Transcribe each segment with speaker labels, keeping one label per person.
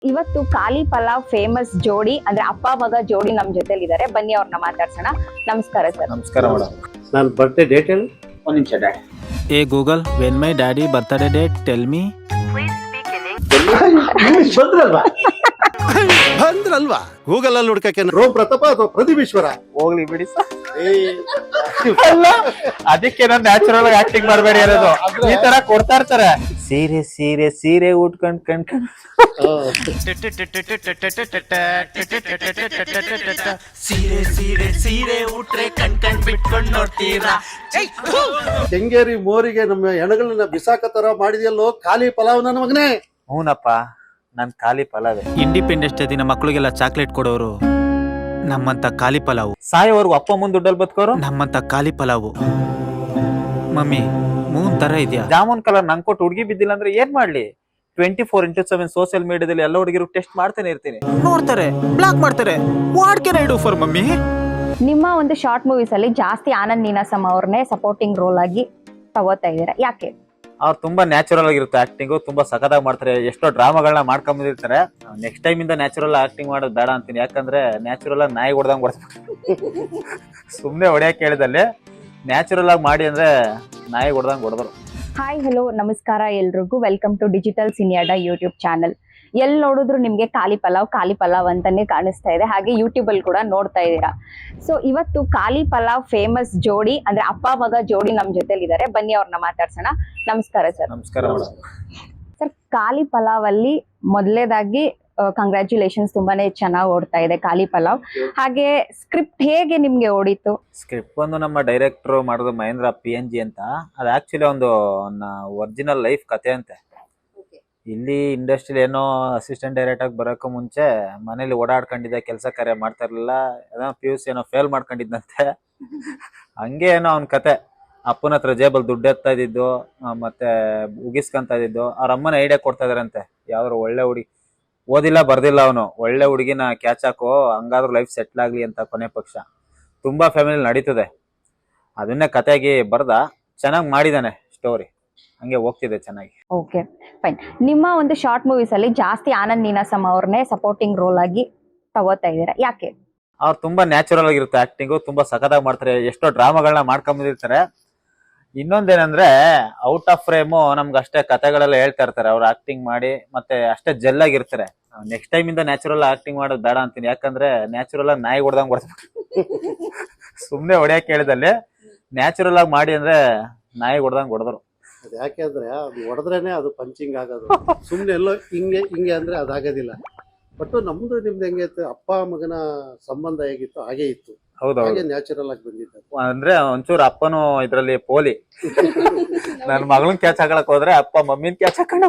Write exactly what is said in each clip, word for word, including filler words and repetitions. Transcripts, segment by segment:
Speaker 1: ಇವತ್ತು ಖಾಲಿ ಪಲಾವ್ ಫೇಮಸ್ ಜೋಡಿ ಅಂದ್ರೆ ಅಪ್ಪ ಮಗ ಜೋಡಿ ನಮ್ ಜೊತೆಲಿ ಇದಾರೆ. ಬನ್ನಿ ಅವ್ರನ್ನ ಮಾತಾಡ್ಸೋಣ. ನಮಸ್ಕಾರ ಸರ್.
Speaker 2: ನಮಸ್ಕಾರ ಮೇಡಮ್.
Speaker 3: ನನ್ನ ಬರ್ತ್ಡೇ ಡೇಟ್ ಹೇಳಿ.
Speaker 2: ಒಂದು ನಿಮಿಷ daddy.
Speaker 4: Hey Google, when my daddy birthday date tell me.
Speaker 3: ಬಂದ್ರಲ್ವಾ
Speaker 5: ಬಂದ್ರಲ್ವಾ ಗೂಗಲ್ ಅಲ್ಲಿ ಹುಡ್ಕಕ್ಕೆ.
Speaker 3: ರೋಮ್ ಪ್ರತಾಪ ಅಥವಾ ಪ್ರದೀಪೇಶ್ವರ?
Speaker 2: ಹೋಗ್ಲಿ ಬಿಡಿ ಸರ್. ಅದಕ್ಕೆ ನಾನು ನ್ಯಾಚುರಲ್ ಆಗಿ ಆಕ್ಟಿಂಗ್ ಮಾಡಬೇಡಿ ಅನ್ನೋದು. ಈ ತರ ಕೊಡ್ತಾ ಇರ್ತಾರೆ. ಸೀರೆ ಸೀರೆ ಸೀರೆ ಉಟ್ಕೊಂಡ್ ಕಣ್ಕೊಂಡ್
Speaker 4: ಸೀರೆ ಸೀರೆ ಸೀರೆ ಉಟ್ರೆ ಕಣ್ ಕಣ್ ಬಿಟ್ಕೊಂಡ್ ನೋಡ್ತೀರಾ.
Speaker 3: ಕೆಂಗೇರಿ ಮೋರಿಗೆ ನಮ್ಮ ಹೆಣಗಳನ್ನ ಬಿಸಾಕ ತರ ಮಾಡಿದ್ಯಲ್ಲೋ ಖಾಲಿ ಪಲಾವ್ ನನ್ನ ಮಗನೇ.
Speaker 2: ಹೂನಪ್ಪ, ನನ್ ಖಾಲಿ ಪಲಾವೆ.
Speaker 4: ಇಂಡಿಪೆಂಡೆನ್ಸ್ ಡೇ ದಿನ ಮಕ್ಳಿಗೆಲ್ಲ ಚಾಕ್ಲೇಟ್ ಕೊಡೋರು ನಮ್ಮಂತ ಖಾಲಿ ಪಲಾವು.
Speaker 2: ಸಾಯೋವರೆಗೂ ಅಪ್ಪ ಮುಂದ್ ದುಡ್ಡಲ್ಲಿ ಬದುಕೋರು
Speaker 4: ನಮ್ಮಂತ ಖಾಲಿ ಪಲಾವು. ಮಮ್ಮಿ ಮೂನ್ ತರ ಇದೆಯಾ?
Speaker 2: ಜಾಮೂನ್ ಕಲರ್ ನಂಗೆ ಕೊಟ್ಟು ಹುಡುಗಿ ಬಿದ್ದಿಲ್ಲ ಅಂದ್ರೆ ಏನ್ ಮಾಡ್ಲಿ? Twenty four into seven social ಮೀಡಿಯಾದಲ್ಲಿ ಎಲ್ಲ ಹುಡುಗಿರು ಟೆಸ್ಟ್ ಮಾಡ್ತಾನೆ ಇರ್ತೀನಿ.
Speaker 4: ನೋಡ್ತಾರೆ, ಬ್ಲಾಕ್ ಮಾಡ್ತಾರೆ. What can I do for mummy?
Speaker 1: ನಿಮ್ಮ ಒಂದು ಶಾರ್ಟ್ ಮೂವೀಸ್ ಅಲ್ಲಿ ಜಾಸ್ತಿ ಆನಂದ್ ನೀನಾಸಂ ಅವ್ರನ್ನೇ ಸಪೋರ್ಟಿಂಗ್ ರೋಲ್ ಆಗಿ ತಗೋತಾ ಇದೀರಾ, ಯಾಕೆ?
Speaker 2: ಅವ್ರು ತುಂಬಾ ನ್ಯಾಚುರಲ್ ಆಗಿರುತ್ತೆ ಆಕ್ಟಿಂಗ್. ತುಂಬಾ ಸಖತ್ತಾಗಿ ಮಾಡ್ತಾರೆ. ಎಷ್ಟೋ ಡ್ರಾಮಾಗಳನ್ನ ಮಾಡ್ಕೊಂಡ್ ಬಂದಿರ್ತಾರೆ. ನೆಕ್ಸ್ಟ್ ಟೈಮ್ ಇಂದ ನ್ಯಾಚುರಲ್ ಆಕ್ಟಿಂಗ್ ಮಾಡೋದು ಬೇಡ ಅಂತೀನಿ. ಯಾಕಂದ್ರೆ ನ್ಯಾಚುರಲ್ ಆಗಿ ನಾಯಿ ಹೊಡೆದಂಗ್ ಹೊಡೆದ್ಬಿಟ್ಟು ಸುಮ್ನೆ ಹೊಡೆಯಕ್ಕೆ ಹೇಳಿದಲ್ಲಿ ನ್ಯಾಚುರಲ್ ಆಗಿ ಮಾಡಿ ಅಂದ್ರೆ ನಾಯಿ ಹೊಡೆದಂಗ್ ಹೊಡೆದ್ರು.
Speaker 1: ಹಾಯ್ ಹಲೋ ನಮಸ್ಕಾರ ಎಲ್ರಿಗೂ. ವೆಲ್ಕಮ್ ಟು ಡಿಜಿಟಲ್ ಸಿನಿಯಾಡ ಯೂಟ್ಯೂಬ್ ಚಾನಲ್. ಎಲ್ಲಿ ನೋಡಿದ್ರು ನಿಮಗೆ ಖಾಲಿ ಪಲಾವ್ ಖಾಲಿ ಪಲಾವ್ ಅಂತಾನೆ ಕಾಣಿಸ್ತಾ ಇದೆ. ಹಾಗೆ ಯೂಟ್ಯೂಬ್ ಅಲ್ಲಿ ಕೂಡ ನೋಡ್ತಾ ಇದ್ದೀರಾ. ಸೊ ಇವತ್ತು ಖಾಲಿ ಪಲಾವ್ ಫೇಮಸ್ ಜೋಡಿ ಅಂದ್ರೆ ಅಪ್ಪ ಮಗ ಜೋಡಿ ನಮ್ ಜೊತೆಲಿ ಇದಾರೆ. ಬನ್ನಿ ಅವ್ರನ್ನ ಮಾತಾಡ್ಸೋಣ. ನಮಸ್ಕಾರ ಸರ್.
Speaker 2: ನಮಸ್ಕಾರ ಮೇಡಮ್.
Speaker 1: ಸರ್, ಖಾಲಿ ಪಲಾವ್ ಅಲ್ಲಿ ಮೊದಲೇದಾಗಿ ಕಂಗ್ರ್ಯಾಚುಲೇಷನ್ಸ್, ತುಂಬಾನೇ ಚೆನ್ನಾಗಿ ಓಡ್ತಾ ಇದೆ ಖಾಲಿ ಪಲಾವ್. ಹಾಗೆ ಸ್ಕ್ರಿಪ್ಟ್ ಹೇಗೆ ನಿಮ್ಗೆ ಓಡಿತ್ತು?
Speaker 2: ಸ್ಕ್ರಿಪ್ಟ್ ಒಂದು ನಮ್ಮ ಡೈರೆಕ್ಟರ್ ಮಾಡೋದು ಮಹೇಂದ್ರ ಪಿ ಎನ್ ಜಿ ಅಂತ. ಅದು ಆಕ್ಚುಲಿ ಒಂದು ಒರಿಜಿನಲ್ ಲೈಫ್ ಕತೆ ಅಂತೆ. ಇಲ್ಲಿ ಇಂಡಸ್ಟ್ರಿಲಿ ಏನೋ ಅಸಿಸ್ಟೆಂಟ್ ಡೈರೆಕ್ಟರ್ ಆಗಿ ಬರೋಕ್ಕೂ ಮುಂಚೆ ಮನೇಲಿ ಓಡಾಡ್ಕೊಂಡಿದ್ದೆ, ಕೆಲಸ ಕಾರ್ಯ ಮಾಡ್ತಾ ಇರ್ಲಿಲ್ಲ. ಏನೋ ಪಿ ಯು ಸಿ ಏನೋ ಫೇಲ್ ಮಾಡ್ಕೊಂಡಿದ್ದಂತೆ. ಹಂಗೆ ಏನೋ ಅವ್ನ ಕತೆ. ಅಪ್ಪನ ಹತ್ರ ಜೇಬಲ್ ದುಡ್ಡು ಎತ್ತಾ ಇದ್ದಿದ್ದು, ಮತ್ತೆ ಉಗಿಸ್ಕೊಂತ ಇದ್ದಿದ್ದು. ಅವ್ರ ಅಮ್ಮನ ಐಡಿಯಾ ಕೊಡ್ತಾ ಇದಾರಂತೆ, ಯಾವ್ದಾರು ಒಳ್ಳೆ ಹುಡುಗಿ, ಓದಿಲ್ಲ ಬರ್ದಿಲ್ಲ ಅವನು, ಒಳ್ಳೆ ಹುಡುಗಿನ ಕ್ಯಾಚ್ ಹಾಕೋ, ಹಂಗಾದ್ರೂ ಲೈಫ್ ಸೆಟ್ಲ್ ಆಗ್ಲಿ ಅಂತ. ಕೊನೆ ಪಕ್ಷ ತುಂಬಾ ಫ್ಯಾಮಿಲಿ ನಡೀತದೆ. ಅದನ್ನೇ ಕತೆಯಾಗಿ ಬರ್ದ, ಚೆನ್ನಾಗಿ ಮಾಡಿದಾನೆ ಸ್ಟೋರಿ. ಹಂಗೆ ಹೋಗ್ತಿದೆ ಚೆನ್ನಾಗಿ.
Speaker 1: Okay fine. ನಿಮ್ಮ ಒಂದು ಶಾರ್ಟ್ ಮೂವೀಸ್ ಅಲ್ಲಿ ಜಾಸ್ತಿ ಆನಂದ್ ನೀನಾಸಂ ಅವ್ರನ್ನೇ ಸಪೋರ್ಟಿಂಗ್ ರೋಲ್ ಆಗಿ ತಗೋತಾ ಇದೀರಾ, ಯಾಕೆ?
Speaker 2: ಅವ್ರು ತುಂಬಾ ನ್ಯಾಚುರಲ್ ಆಗಿರುತ್ತೆ ಆಕ್ಟಿಂಗು. ತುಂಬಾ ಸಖತ್ತಾಗಿ ಮಾಡ್ತಾರೆ. ಎಷ್ಟೋ ಡ್ರಾಮಾಗಳನ್ನ ಮಾಡ್ಕೊಂಡ್ ಬಂದಿರ್ತಾರೆ. ಇನ್ನೊಂದೇನಂದ್ರೆ ಔಟ್ ಆಫ್ ಫ್ರೇಮು ನಮ್ಗೆ ಅಷ್ಟೇ ಕತೆಗಳೆಲ್ಲ ಹೇಳ್ತಾ ಇರ್ತಾರೆ. ಅವ್ರು ಆಕ್ಟಿಂಗ್ ಮಾಡಿ ಮತ್ತೆ ಅಷ್ಟೇ ಜೆಲ್ ಆಗಿರ್ತಾರೆ. ನೆಕ್ಸ್ಟ್ ಟೈಮ್ ಇಂದ ನ್ಯಾಚುರಲ್ ಆಕ್ಟಿಂಗ್ ಮಾಡೋದು ಬೇಡ ಅಂತೀನಿ. ಯಾಕಂದ್ರೆ ನ್ಯಾಚುರಲ್ ಆಗಿ ನಾಯಿ ಹೊಡೆದಂಗ್ ಹೊಡೆದ್ಬಿಟ್ಟು ಸುಮ್ನೆ ಹೊಡೆಯಕ್ಕೆ ಹೇಳಿದಲ್ಲಿ ನ್ಯಾಚುರಲ್ ಆಗಿ ಮಾಡಿ ಅಂದ್ರೆ ನಾಯಿ ಹೊಡೆದಂಗ್ ಹೊಡೆದ್ರು.
Speaker 3: ಅದು ಯಾಕೆ ಅಂದ್ರೆ ಅದು ಹೊಡೆದ್ರೇನೆ ಅದು ಪಂಚಿಂಗ್ ಆಗೋದು. ಸುಮ್ನೆ ಎಲ್ಲೋ ಹಿಂಗೆ ಹಿಂಗೆ ಅಂದ್ರೆ ಅದಾಗೋದಿಲ್ಲ. ಬಟ್ ನಮ್ದು ನಿಮ್ದು ಹೆಂಗೆ ಇತ್ತು, ಅಪ್ಪ ಮಗನ ಸಂಬಂಧ ಹೇಗಿತ್ತು ಹಾಗೆ ಇತ್ತು.
Speaker 2: ಹೌದೌದು.
Speaker 3: ಹಾಗೆ ನ್ಯಾಚುರಲ್ ಆಗಿ ಬಂದಿತ್ತು.
Speaker 2: ಅಂದ್ರೆ ಒಂಚೂರು ಅಪ್ಪನು ಇದ್ರಲ್ಲಿ ಪೋಲಿ. ನನ್ ಮಗಳನ್ ಕ್ಯಾಚ್ ಹಾಕಳಕ್ ಹೋದ್ರೆ ಅಪ್ಪ ಮಮ್ಮಿನ್ ಕ್ಯಾಚ್ ಹಾಕೊಂಡು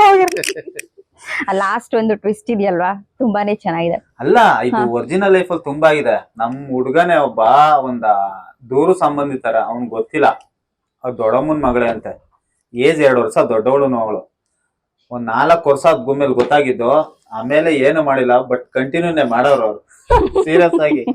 Speaker 1: ಲಾಸ್ಟ್ ಒಂದು ಟ್ವಿಸ್ಟ್ ಇದೆಯಲ್ವಾ, ತುಂಬಾನೇ ಚೆನ್ನಾಗಿದೆ.
Speaker 2: ಅಲ್ಲ, ಇದು ಒರಿಜಿನಲ್ ಲೈಫ್ ಅಲ್ಲಿ ತುಂಬಾ ಇದೆ. ನಮ್ ಹುಡ್ಗನೇ ಒಬ್ಬ ಒಂದ ದೂರು ಸಂಬಂಧಿತರ, ಅವ್ನ್ ಗೊತ್ತಿಲ್ಲ, ಅವ್ರ ದೊಡ್ಡಮ್ಮನ್ ಮಗಳೇ ಅಂತೆ. ಏಜ್ ಎರಡು ವರ್ಷ, ದೊಡ್ಡವಳು ಅವಳು. ಒಂದ್ ನಾಲ್ಕು ವರ್ಷ ಗುಮ್ಮೇಲೆ ಗೊತ್ತಾಗಿದ್ದು. ಆಮೇಲೆ ಏನು ಮಾಡಿಲ್ಲ, ಬಟ್ ಕಂಟಿನ್ಯೂನೇ ಮಾಡೋರು ಅವ್ರು ಸೀರಿಯಸ್ ಆಗಿ.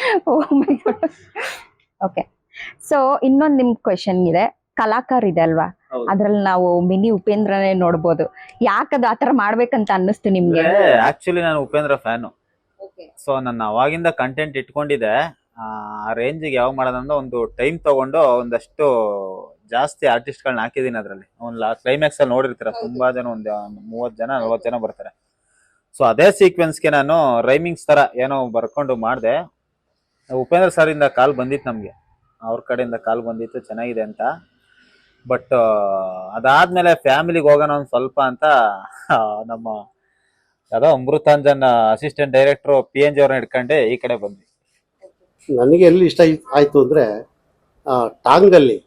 Speaker 1: ಓಕೆ, ಸೊ ಇನ್ನೊಂದ್ ನಿಮ್ ಕ್ವೆಶನ್ ಇದೆ. ಕಲಾಕಾರ ಇದೆ ಅಲ್ವಾ, ಅದ್ರಲ್ಲಿ ನಾವು ಮಿನಿ ಉಪೇಂದ್ರನೇ ನೋಡ್ಬೋದು. ಯಾಕದು ಆತರ ಮಾಡ್ಬೇಕಂತ ಅನ್ನಿಸ್ತು ನಿಮ್ಗೆ?
Speaker 2: ಆಕ್ಚುಲಿ ನಾನು ಉಪೇಂದ್ರ ಫ್ಯಾನು. ಸೊ ನನ್ನ ಅವಾಗಿಂದ ಕಂಟೆಂಟ್ ಇಟ್ಕೊಂಡಿದ್ದೆ. ಆ ರೇಂಜಿಗೆ ಯಾವಾಗ ಮಾಡೋದಂದ್ರೆ ಒಂದು ಟೈಮ್ ತಗೊಂಡು ಒಂದಷ್ಟು ಜಾಸ್ತಿ ಆರ್ಟಿಸ್ಟ್ ಗಳನ್ನ ಹಾಕಿದೀನಿ ಅದ್ರಲ್ಲಿ. ಒಂದು ಕ್ಲೈಮ್ಯಾಕ್ಸ್ ಅಲ್ಲಿ ನೋಡಿರ್ತೀರ, ತುಂಬಾ ಜನ, ಒಂದ್ ಮೂವತ್ ಜನ ನಲ್ವತ್ ಜನ ಬರ್ತಾರೆ. ಸೊ ಅದೇ ಸೀಕ್ವೆನ್ಸ್ಗೆ ನಾನು ರೈಮಿಂಗ್ಸ್ ತರ ಏನೋ ಬರ್ಕೊಂಡು ಮಾಡಿದೆ. ಉಪೇಂದ್ರ ಸರ್ ಇಂದ ಕಾಲ್ ಬಂದಿತ್ತು ನಮ್ಗೆ, ಅವ್ರ ಕಡೆಯಿಂದ ಕಾಲ್ ಬಂದಿತ್ತು ಚೆನ್ನಾಗಿದೆ ಅಂತ. ಬಟ್ ಅದಾದ್ಮೇಲೆ ಫ್ಯಾಮಿಲಿಗೆ ಹೋಗೋಣ ಒಂದ್ ಸ್ವಲ್ಪ ಅಂತ ನಮ್ಮ ಯಾವ್ದೋ Amrutanjan assistant director P N G ಅವ್ರನ್ನ ಇಟ್ಕೊಂಡೆ ಈ ಕಡೆ ಬಂದ್ವಿ.
Speaker 3: ನನಗೆ ಎಲ್ಲಿ ಇಷ್ಟ ಆಯ್ತು ಅಂದ್ರೆ ಟಾಂಗಲ್ಲಿ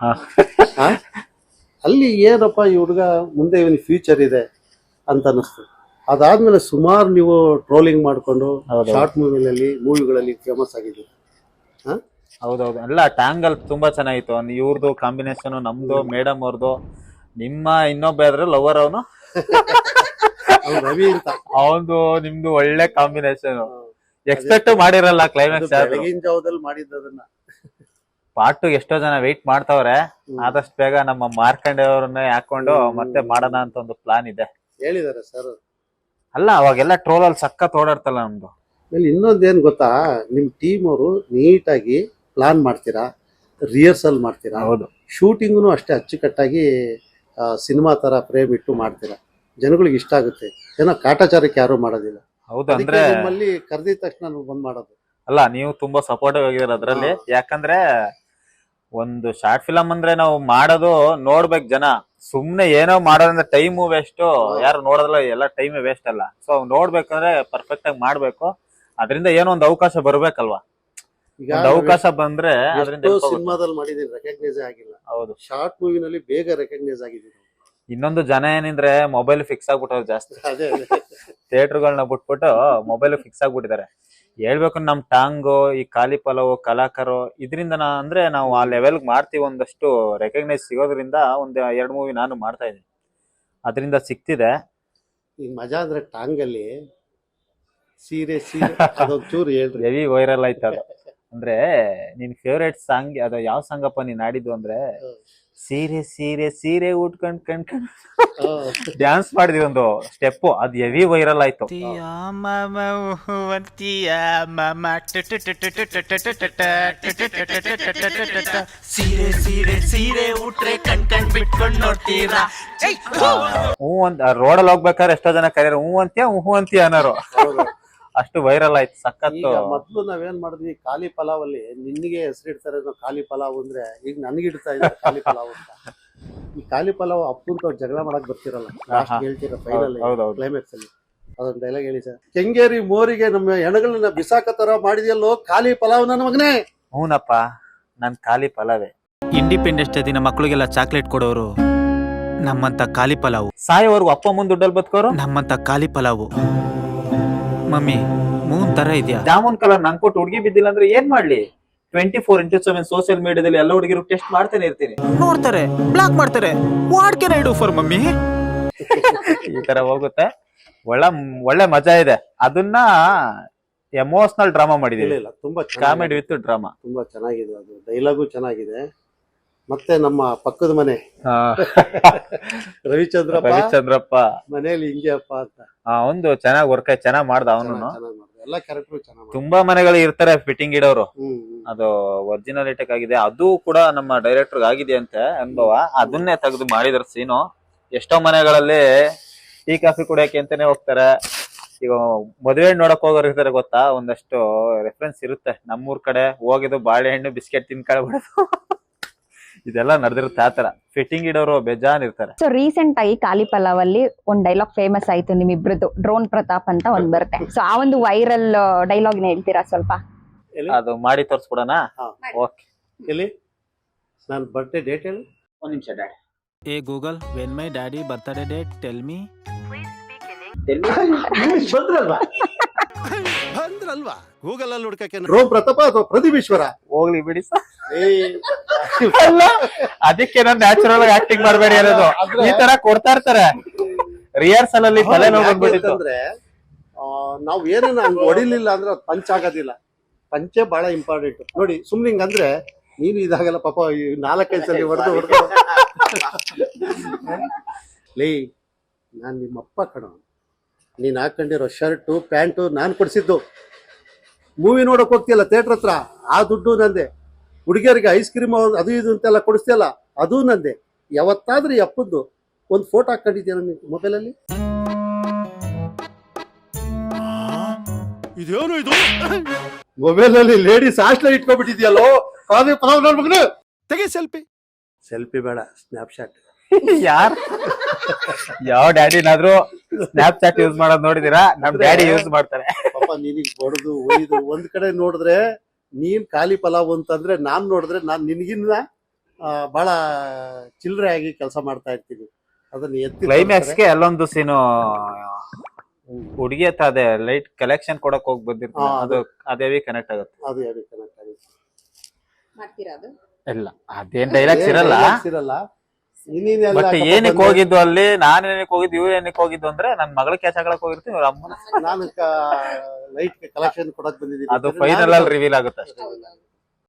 Speaker 3: ಅಲ್ಲಿ ಏನಪ್ಪ ಈ ಹುಡುಗ ಮುಂದೆ ಇವನ್ ಫ್ಯೂಚರ್ ಇದೆ ಅಂತ ಅನಿಸ್ತು. ಅದಾದ್ಮೇಲೆ ಸುಮಾರು ನೀವು ಟ್ರೋಲಿಂಗ್ ಮಾಡ್ಕೊಂಡು ಶಾರ್ಟ್ ಮೂವಿಗಳಲ್ಲಿ ಮೂವಿಗಳಲ್ಲಿ ಫೇಮಸ್ ಆಗಿದ್ದೀರಿ.
Speaker 2: ಹೌದೌದು, ಎಲ್ಲ ಟ್ಯಾಂಗಲ್ ತುಂಬಾ ಚೆನ್ನಾಗಿತ್ತು. ಇವ್ರದ್ದು ಕಾಂಬಿನೇಷನ್, ನಮ್ದು, ಮೇಡಮ್ ಅವ್ರದ್ದು, ನಿಮ್ಮ ಇನ್ನೊಬ್ಬ ಇದ್ರ ಲವರ್ ಅವನು
Speaker 3: ರವಿ ಅಂತ,
Speaker 2: ಅವನು ನಿಮ್ದು ಒಳ್ಳೆ ಕಾಂಬಿನೇಷನ್. ಎಕ್ಸ್ಪೆಕ್ಟ್ ಮಾಡಿರಲ್ಲ ಕ್ಲೈಮ್ಯಾಕ್ಸ್.
Speaker 3: ಬೆಳಗಿನ ಜಾವದಲ್ಲಿ ಮಾಡಿದ್ದದನ್ನ
Speaker 2: ಪಾರ್ಟ್ ಎಷ್ಟೋ ಜನ ವೆಯ್ಟ್ ಮಾಡ್ತಾವ್ರೆ. ಆದಷ್ಟು ಬೇಗ ನಮ್ಮ ಮಾರ್ಕಂಡೆ ಅವ್ರನ್ನೇ ಹಾಕೊಂಡು ಮತ್ತೆ ಮಾಡೋಣ ಅಂತ ಒಂದು ಪ್ಲಾನ್ ಇದೆ.
Speaker 3: ಹೇಳಿದಾರೆ ಸರ್.
Speaker 2: ಅಲ್ಲ ಅವಾಗೆಲ್ಲ ಟ್ರೋಲ್ ಅಲ್ಲಿ ಸಖತ್ ಓಡಾಡ್ತಲ್ಲ ನಮ್ದು.
Speaker 3: ಆಮೇಲೆ ಇನ್ನೊಂದೇನು ಗೊತ್ತಾ, ನಿಮ್ಮ ಟೀಮ್ ಅವರು ನೀಟಾಗಿ ಪ್ಲಾನ್ ಮಾಡ್ತೀರಾ, ರಿಹರ್ಸಲ್ ಮಾಡ್ತೀರಾ,
Speaker 2: ಹೌದು
Speaker 3: ಶೂಟಿಂಗ್ನು ಅಷ್ಟೇ ಅಚ್ಚುಕಟ್ಟಾಗಿ ಸಿನಿಮಾ ತರ ಫ್ರೇಮ್ ಇಟ್ಟು ಮಾಡ್ತೀರಾ. ಜನಗಳಿಗೆ ಇಷ್ಟ ಆಗುತ್ತೆ. ಏನೋ ಕಾಟಾಚಾರಕ್ಕೆ ಯಾರು ಮಾಡೋದಿಲ್ಲ.
Speaker 2: ಹೌದು
Speaker 3: ಅದಕ್ಕೆ
Speaker 2: ಅಂದ್ರೆ
Speaker 3: ನಿಮ್ಮಲ್ಲಿ ಕರೆದಿದ ತಕ್ಷಣ ನಾವು ಬಂದ್ ಮಾಡೋದು.
Speaker 2: ಅಲ್ಲ ನೀವು ತುಂಬಾ ಸಪೋರ್ಟಿವ್ ಆಗಿದ್ದೀರ ಅದ್ರಲ್ಲಿ. ಯಾಕಂದ್ರೆ ಒಂದು ಶಾರ್ಟ್ ಫಿಲಂ ಅಂದ್ರೆ ನಾವು ಮಾಡೋದು ನೋಡ್ಬೇಕು ಜನ. ಸುಮ್ನೆ ಏನೋ ಮಾಡೋದ್ರಿಂದ ಟೈಮು ವೇಸ್ಟ್, ಯಾರು ನೋಡೋದಿಲ್ಲ, ಎಲ್ಲ ಟೈಮ್ ವೇಸ್ಟ್ ಅಲ್ಲ. ಸೊ ನೋಡ್ಬೇಕಂದ್ರೆ ಪರ್ಫೆಕ್ಟ್ ಆಗಿ ಮಾಡ್ಬೇಕು. ಅದರಿಂದ ಏನೋ ಒಂದು ಅವಕಾಶ ಬರ್ಬೇಕಲ್ವಾ.
Speaker 3: ಈಗ
Speaker 2: ಒಂದು ಅವಕಾಶ ಬಂದ್ರೆ ಅದರಿಂದ
Speaker 3: ಸಿನಿಮಾದಲ್ಲಿ ಮಾಡಿದೀನಿ, ರೆಕಗ್ನೈಸ್ ಆಗಿಲ್ಲ.
Speaker 2: ಹೌದು,
Speaker 3: ಶಾರ್ಟ್ ಮೂವಿನಲ್ಲಿ ಬೇಗ ರೆಕಗ್ನೈಸ್ ಆಗಿದ್ದೀನಿ.
Speaker 2: ಇನ್ನೊಂದು ಜನ ಏನಿದ್ರೆ ಮೊಬೈಲ್ ಫಿಕ್ಸ್ ಆಗ್ಬಿಟ್ಟವ್ರು ಜಾಸ್ತಿ.
Speaker 3: ಅದೇ
Speaker 2: ಥಿಯೇಟರ್ಗಳನ್ನ ಬಿಟ್ಬಿಟ್ಟು ಮೊಬೈಲ್ ಫಿಕ್ಸ್ ಆಗ್ಬಿಟ್ಟಿದ್ದಾರೆ. ಹೇಳ್ಬೇಕು ನಮ್ ಟಾಂಗು, ಈ ಖಾಲಿ ಪಲಾವು, ಕಲಾಕರು, ಇದರಿಂದ ನಾ ಅಂದ್ರೆ ನಾವು ಆ ಲೆವೆಲ್ ಮಾಡ್ತೀವಿ. ಒಂದಷ್ಟು ರೆಕಗ್ನೈಸ್ ಸಿಗೋದ್ರಿಂದ ಒಂದ್ ಎರಡ್ ಮೂವಿ ನಾನು ಮಾಡ್ತಾ ಇದ್ದೀನಿ, ಅದರಿಂದ ಸಿಕ್ತಿದೆ.
Speaker 3: ಈಗ ಮಜಾ ಅಂದ್ರೆ ಟಾಂಗಲ್ಲಿ ಸೀರೆ ಸೀರೆ ಅದೊಂದ್ ಚೂರು ಹೇಳ್ರಿ.
Speaker 2: ಹೆವಿ ವೈರಲ್ ಆಯ್ತು ಅದು. ಅಂದ್ರೆ ನಿನ್ ಫೇವ್ರೇಟ್ ಸಾಂಗ್ ಅದು ಯಾವ ಸಾಂಗಪ್ಪ ನೀನ್ ಆಡಿದ್ದು ಅಂದ್ರೆ, ಸೀರೆ ಸೀರೆ ಸೀರೆ ಉಟ್ಕೊಂಡ್ ಕಣ್ಕೊಂಡ್ ಡ್ಯಾನ್ಸ್ ಮಾಡಿದ್ವಿ ಒಂದು ಸ್ಟೆಪ್, ಅದು ಹೆವಿ ವೈರಲ್ ಆಯ್ತು.
Speaker 4: ಸೀರೆ ಸೀರೆ ಸೀರೆ ಉಟ್ರೆ ಕಣ್ ಕಣ್ ಬಿಟ್ಕೊಂಡ್ ನೋಡ್ತೀರಾ.
Speaker 2: ಹೂ ಅಂತ ರೋಡಲ್ಲಿ ಹೋಗ್ಬೇಕಾದ್ರೆ ಎಷ್ಟೋ ಜನ ಕರೆಯರು ಹೂ ಅಂತೀಯ ಹೂ ಅಂತೀಯ ಅನ್ನೋರು. ಅಷ್ಟು ವೈರಲ್ ಆಯ್ತು ಸಖತ್ತು.
Speaker 3: ಈಗ ಮೊದ್ಲು ನಾವೇನ್ ಮಾಡಿದ್ವಿ, ಖಾಲಿ ಪಲಾವ್ ಅಲ್ಲಿ ನಿನ್ಗೆ ಹೆಸರಿಡ್ತಾರೆ ಖಾಲಿ ಪಲಾವ್ ಅಂದ್ರೆ, ಈಗ ನನ್ಗಿಡ್ತಾ ಇದ್ದಾರೆ ಖಾಲಿ ಪಲಾವ್ ಅಂತ. ಈ ಖಾಲಿ ಪಲಾವ್ ಅಪ್ಪಂತ ಜಗಳ ಮಾಡಕ್ ಬರ್ತಿರಲ್ಲ, ಲಾಸ್ಟ್ ಹೇಳ್ತೀರ ಫೈನಲ್ ಕ್ಲೈಮ್ಯಾಕ್ಸ್ ಅಲ್ಲಿ ಅದೊಂದು ಡೈಲಾಗ್ ಹೇಳಿ ಸರ್. ಕೆಂಗೇರಿ ಮೋರಿಗೆ ನಮ್ಮ ಹೆಣಗಳನ್ನ ಬಿಸಾಕ ತರ ಮಾಡಿದ್ಯಲ್ಲೋ ಖಾಲಿ ಪಲಾವ್ ನನ್ನ ಮಗನೇ.
Speaker 2: ಹೂನಪ್ಪ, ನನ್ ಖಾಲಿ ಪಲಾವೇ.
Speaker 6: ಇಂಡಿಪೆಂಡೆನ್ಸ್ ಡೇ ದಿನ ಮಕ್ಕಳಿಗೆಲ್ಲ ಚಾಕ್ಲೇಟ್ ಕೊಡೋರು ನಮ್ಮಂತ ಖಾಲಿ ಪಲಾವು.
Speaker 2: ಸಾಯೋವರೆಗೂ ಅಪ್ಪ ಮುಂದ್ ದುಡ್ಡಲ್ಲಿ ಬದುಕೋರು
Speaker 6: ನಮ್ಮಂತ ಖಾಲಿ ಪಲಾವು. ಮಮ್ಮಿ ಮೂನ್ ತರ ಇದೆಯಾ?
Speaker 2: ಜಾಮೂನ್ ಕಲರ್ ನಂಗೆ ಕೊಟ್ಟು ಹುಡುಗಿ ಬಿದ್ದಿಲ್ಲ ಅಂದ್ರೆ ಏನ್ ಮಾಡ್ಲಿ? Twenty four into seven social ಮೀಡಿಯಾದಲ್ಲಿ ಎಲ್ಲ ಹುಡುಗಿರು ಟೆಸ್ಟ್ ಮಾಡ್ತಾನೆ ಇರ್ತೀನಿ.
Speaker 6: ನೋಡ್ತಾರೆ, ಬ್ಲಾಕ್ ಮಾಡ್ತಾರೆ. What can I do for mummy?
Speaker 2: ಈ ತರ ಹೋಗುತ್ತೆ. ಒಳ್ಳೆ ಒಳ್ಳೆ ಮಜಾ ಇದೆ. ಅದನ್ನ ಎಮೋಷನಲ್ ಡ್ರಾಮಾ ಮಾಡಿದೀವಿ.
Speaker 3: ಇಲ್ಲ ತುಂಬಾ
Speaker 2: ಕಾಮಿಡಿ ವಿತ್ ಡ್ರಾಮಾ.
Speaker 3: ತುಂಬಾ ಚೆನ್ನಾಗಿದೆ. ಅದು ಡೈಲಾಗು ಚೆನ್ನಾಗಿದೆ. ಮತ್ತೆ ನಮ್ಮ ಪಕ್ಕದ ಮನೆ ರವಿಚಂದ್ರಪ್ಪ
Speaker 2: ರವಿಚಂದ್ರಪ್ಪ
Speaker 3: ಮನೇಲಿ ಹಿಂಗೆ ಅಪ್ಪ ಅಂತ
Speaker 2: ಒಂದು ಚೆನ್ನಾಗಿ ವರ್ಕ್ ಆಯ್ತು, ಚೆನ್ನಾಗ್ ಮಾಡ್ದ ಅವನು.
Speaker 3: ಎಲ್ಲ ಕ್ಯಾರೆಕ್ಟರ್ ಚೆನ್ನಾಗಿ.
Speaker 2: ತುಂಬಾ ಮನೆಗಳು ಇರ್ತಾರೆ ಫಿಟ್ಟಿಂಗ್ ಇಡೋರು.
Speaker 3: ಹ್ಮ್
Speaker 2: ಅದು ಒರಿಜಿನಾಲಿಟಿ ಆಗಿದೆ. ಅದು ಕೂಡ ನಮ್ಮ ಡೈರೆಕ್ಟರ್ ಆಗಿದೆ ಅಂತ ಅನುಭವ. ಅದನ್ನೇ ತೆಗೆದು ಮಾಡಿದ್ರ ಸೀನು. ಎಷ್ಟೋ ಮನೆಗಳಲ್ಲಿ ಟೀ ಕಾಫಿ ಕುಡಿಯಕ್ಕೆ ಅಂತಾನೆ ಹೋಗ್ತಾರೆ. ಈಗ ಮದುವೆ ನೋಡಕ್ ಹೋಗೋರು ಇರ್ತಾರೆ ಗೊತ್ತಾ, ಒಂದಷ್ಟು ರೆಫರೆನ್ಸ್ ಇರುತ್ತೆ. ನಮ್ಮೂರ್ ಕಡೆ ಹೋಗಿದ್ದು ಬಾಳೆಹಣ್ಣು ಬಿಸ್ಕೆಟ್ ತಿನ್ಕೊಳ್ಬಿಡೋದು ಇದೆಲ್ಲ ನಡೆದಿರುತ್ತೆ. ಆತರ ಫಿಟ್ಟಿಂಗ್ ಇಡೋರು ಬೇಜಾನ್ ಇರ್ತಾರೆ.
Speaker 1: ಸೊ ರೀಸೆಂಟ್ ಆಗಿ ಖಾಲಿ ಪಲಾವ್ ಅಲ್ಲಿ ಒಂದ್ ಡೈಲಾಗ್ ಫೇಮಸ್ ಆಯ್ತು ನಿಮ್ಮಿಬ್ರದ್ದು, ಡ್ರೋನ್ ಪ್ರತಾಪ್ ಅಂತ ಒಂದ್ ಬರುತ್ತೆ. ಸೊ ಆ ಒಂದು ವೈರಲ್ ಡೈಲಾಗ್ ಹೇಳ್ತೀರಾ ಸ್ವಲ್ಪ?
Speaker 2: ಅದು ಮಾಡಿ ತೋರ್ಸ್ಬಿಡೋಣ. ಓಕೆ,
Speaker 3: ಎಲ್ಲಿ ನಾನು ಬರ್ಡೇ ಡೇಟ್ ಹೇಳಿ.
Speaker 2: ಒಂದ್ ನಿಮಿಷ daddy.
Speaker 6: Hey Google, when my daddy birthday date tell me.
Speaker 3: ಬಂದ್ರಲ್ವಾ
Speaker 5: ಬಂದ್ರಲ್ವಾ ಗೂಗಲ್ ಅಲ್ಲಿ ಹುಡ್ಕಕ್ಕೆ.
Speaker 3: ಡ್ರೋನ್ ಪ್ರತಾಪ ಅಥವಾ ಪ್ರದೀಪೇಶ್ವರ
Speaker 2: ಹೋಗ್ಲಿ ಬಿಡಿ ಸರ್. ಅದಕ್ಕೆ ನಾನು ನ್ಯಾಚುರಲ್ ಆಗಿ ಆಕ್ಟಿಂಗ್ ಮಾಡಬೇಡಿ ಅನ್ನೋದು. ಈ ತರ ಕೊಡ್ತಾ ಇರ್ತಾರೆ ರಿಹರ್ಸಲ್ ಅಲ್ಲಿ. ತಲೆ ನೋಡ್ಬಿಟ್ಟಿತ್ತು
Speaker 3: ಅಂದ್ರೆ ನಾವ್ ಏನೇನ ಹಂಗ ಹೊಡಿಲಿಲ್ಲ ಅಂದ್ರೆ ಅದು ಪಂಚ್ ಆಗೋದಿಲ್ಲ. ಪಂಚೆ ಬಹಳ ಇಂಪಾರ್ಟೆಂಟ್ ನೋಡಿ. ಸುಮ್ನೆ ಹಿಂಗಂದ್ರೆ ನೀನು ಇದಾಗಲ್ಲ ಪಾಪ. ನಾಲ್ಕೈದು ಸಲ ಹೊಡೆದು ಹೊಡೆದು ಲೇ, ನಾನ್ ನಿಮ್ಮಪ್ಪ ಕಣ. ನೀನ್ ಹಾಕೊಂಡಿರೋ ಶರ್ಟು ಪ್ಯಾಂಟು ನಾನ್ ಕೊಡ್ಸಿದ್ದು. ಮೂವಿ ನೋಡಕ್ ಹೋಗ್ತಿಯಲ್ಲ ಥಿಯೇಟರ್ ಹತ್ರ, ಆ ದುಡ್ಡು ನಂದೆ. ಹುಡುಗಿಯರಿಗೆ ಐಸ್ ಕ್ರೀಮ್ ಅದು ಇದು ಅಂತೆಲ್ಲ ಕೊಡಿಸ್ತಿಯಲ್ಲ, ಅದು ನಂದೆ. ಯಾವತ್ತಾದ್ರೂ ಈ ಅಪ್ಪದ್ದು ಒಂದು ಫೋಟೋ ಹಾಕೊಂಡಿದ್ಯಾ ನೀನು ಮೊಬೈಲಲ್ಲಿ?
Speaker 5: ಇದೇನು ಇದು?
Speaker 3: ಮೊಬೈಲ್ ಅಲ್ಲಿ ಲೇಡೀಸ್ ಹಾಸ್ಟೆಲ್ ಇಟ್ಕೊಂಡ್ಬಿಟ್ಟಿದ್ಯಲ್ಲೋ.
Speaker 5: ತೆಗೆ ಸೆಲ್ಫಿ.
Speaker 3: ಸೆಲ್ಫಿ ಬೇಡ, ಸ್ನ್ಯಾಪ್ಶಾಟ್.
Speaker 2: ಯಾರ್ ಯಾವ ಡ್ಯಾಡಿನಾದ್ರೂ ಸ್ನ್ಯಾಪ್ ಚಾಟ್ ಯೂಸ್ ಮಾಡೋದ್ ನೋಡಿದೀರಾ? ನಮ್ ಡ್ಯಾಡಿ ಯೂಸ್ ಮಾಡ್ತಾರೆ.
Speaker 3: ಪಾಪ ನಿನಗ್ ಬಡದು ಒಯ್ದು ಒಂದ್ ಕಡೆ ನೋಡಿದ್ರೆ ನೀನ್ ಖಾಲಿ ಪಲಾವ್ ಅಂತಂದ್ರೆ, ನಾನ್ ನೋಡಿದ್ರೆ ನಾನ್ ನಿನ್ಗಿನ್ನ ಬಹಳ ಚಿಲ್ಲರೆ ಆಗಿ ಕೆಲಸ ಮಾಡ್ತಾ ಇರ್ತೀನಿ. ಅದನ್ನ ಎತ್ತಿ
Speaker 2: ಕ್ಲೈಮ್ಯಾಕ್ಸ್ ಗೆ ಅಲ್ಲೊಂದು ಸೀನು ಹುಡುಗಿ ಹತ್ರ ಅದೇ ಲೈಟ್ ಕಲೆಕ್ಷನ್ ಕೊಡಕ್ ಹೋಗಿ ಬಂದಿರ್ತೀನಿ. ಅದು ಅದೇ ಕನೆಕ್ಟ್ ಆಗುತ್ತೆ.
Speaker 3: ಅದು ಯಾರು ಕನೆಕ್ಟ್ ಆಗುತ್ತೆ
Speaker 2: ಇಲ್ಲ, ಅದೇನ್ ಡೈಲಾಗ್ಸ್ ಇರಲ್ಲ.
Speaker 3: ಇರಲ್ಲ.
Speaker 2: ಬಟ್ ಏನಕ್ಕೆ ಹೋಗಿದ್ದು ಅಲ್ಲಿ, ನಾನು ಏನಕ್ಕೆ ಹೋಗಿದ್ದು, ಇವ್ರು ಏನಕ್ಕೆ ಹೋಗಿದ್ದು ಅಂದ್ರೆ ನನ್ ಮಗಳ ಕ್ಯಾಚ್ ಹಾಕಕ್ ಹೋಗಿರ್ತೀನಿ. ಅವ್ರ ಅಮ್ಮನ
Speaker 3: ನಾನು ಲೈಟ್ ಕಲೆಕ್ಷನ್ ಕೊಡಕ್ ಬಂದಿದ್ದೀನಿ.
Speaker 2: ಅದು ಫೈನಲ್ ಅಲ್ಲಿ ರಿವೀಲ್ ಆಗುತ್ತೆ ಅಷ್ಟೇ.